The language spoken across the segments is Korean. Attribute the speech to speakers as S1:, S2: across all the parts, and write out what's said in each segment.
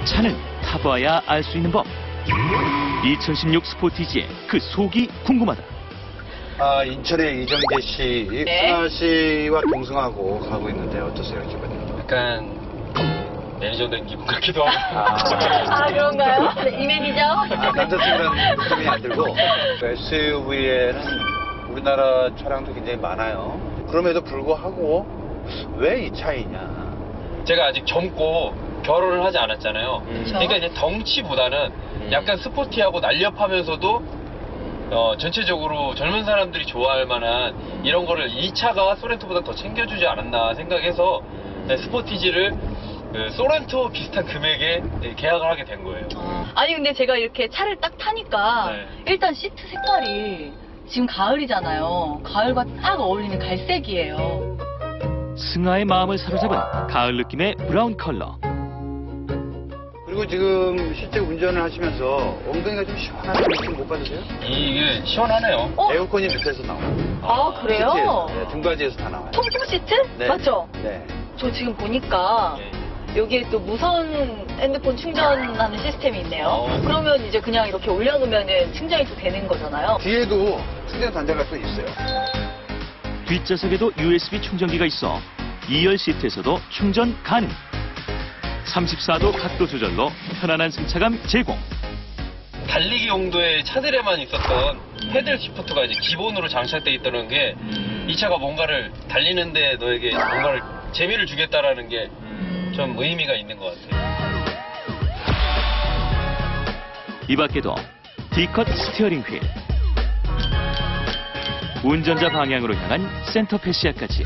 S1: 차는 타봐야 알 수 있는 법. 2016 스포티지의 그 속이 궁금하다.
S2: 인천의 이정재 씨,
S3: 네.
S2: 승아 씨와 동승하고 가고 있는데 어떠세요, 기분이?
S4: 약간 매니저 된 기분 같기도 하고.
S3: 그런가요? 네, 이 매니저?
S2: 남자친구랑 느낌이 안 들고 SUV에는 우리나라 차량도 굉장히 많아요. 그럼에도 불구하고 왜 이 차이냐?
S4: 제가 아직 젊고 결혼을 하지 않았잖아요. 그러니까 이제 덩치보다는 약간 스포티하고 날렵하면서도 전체적으로 젊은 사람들이 좋아할 만한 이런 거를 이 차가 소렌토보다 더 챙겨주지 않았나 생각해서 스포티지를 소렌토 비슷한 금액에 계약을 하게 된 거예요.
S3: 아니 근데 제가 이렇게 차를 딱 타니까
S4: 네.
S3: 일단 시트 색깔이 지금 가을이잖아요. 가을과 딱 어울리는 갈색이에요.
S1: 승아의 마음을 사로잡은 가을 느낌의 브라운 컬러.
S2: 그리고 지금 실제 운전을 하시면서 엉덩이가 좀 시원한 느낌 못 받으세요?
S4: 이게 시원하네요.
S2: 에어컨이 밑에서 나와요.
S3: 그래요?
S2: 시트에서, 네, 등받이에서 다 나와요.
S3: 통풍 시트?
S2: 네.
S3: 맞죠?
S2: 네.
S3: 저 지금 보니까 여기에 또 무선 핸드폰 충전하는 시스템이 있네요. 그러면 이제 그냥 이렇게 올려놓으면 충전이 또 되는 거잖아요.
S2: 뒤에도 충전 단자가 또 있어요.
S1: 뒷좌석에도 USB 충전기가 있어 2열 시트에서도 충전 가능. 34도 각도 조절로 편안한 승차감 제공.
S4: 달리기 용도의 차들에만 있었던 패들 시프트가 이제 기본으로 장착되어 있다는 게 이 차가 뭔가를 달리는데 너에게 뭔가를 재미를 주겠다라는 게 좀 의미가 있는 것 같아요.
S1: 이 밖에도 D컷 스티어링 휠, 운전자 방향으로 향한 센터 패시아까지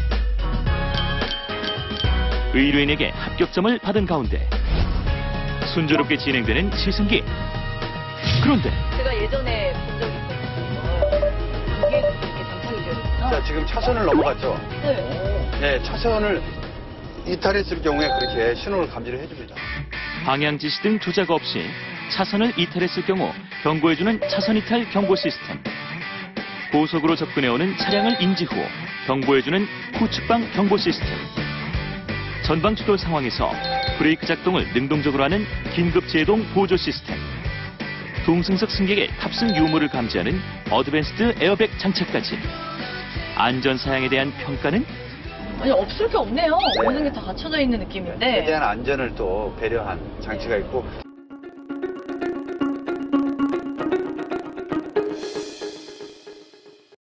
S1: 의뢰인에게 합격점을 받은 가운데 순조롭게 진행되는 시승기. 그런데
S3: 제가 예전에 본 적이 있거든요. 이게 이렇게 장착이 되어 있구나.
S2: 자, 지금 차선을 넘어갔죠?
S3: 네.
S2: 네, 차선을 이탈했을 경우에 그렇게 신호를 감지를 해줍니다.
S1: 방향 지시 등 조작 없이 차선을 이탈했을 경우 경고해주는 차선 이탈 경고 시스템. 고속으로 접근해오는 차량을 인지 후 경보해주는 후측방 경보 시스템. 전방 추돌 상황에서 브레이크 작동을 능동적으로 하는 긴급 제동 보조 시스템. 동승석 승객의 탑승 유무를 감지하는 어드밴스드 에어백 장착까지. 안전 사양에 대한 평가는
S3: 아니 없을 게 없네요. 모든 게 다 갖춰져 있는 느낌인데.
S2: 최대한 안전을 또 배려한 장치가 있고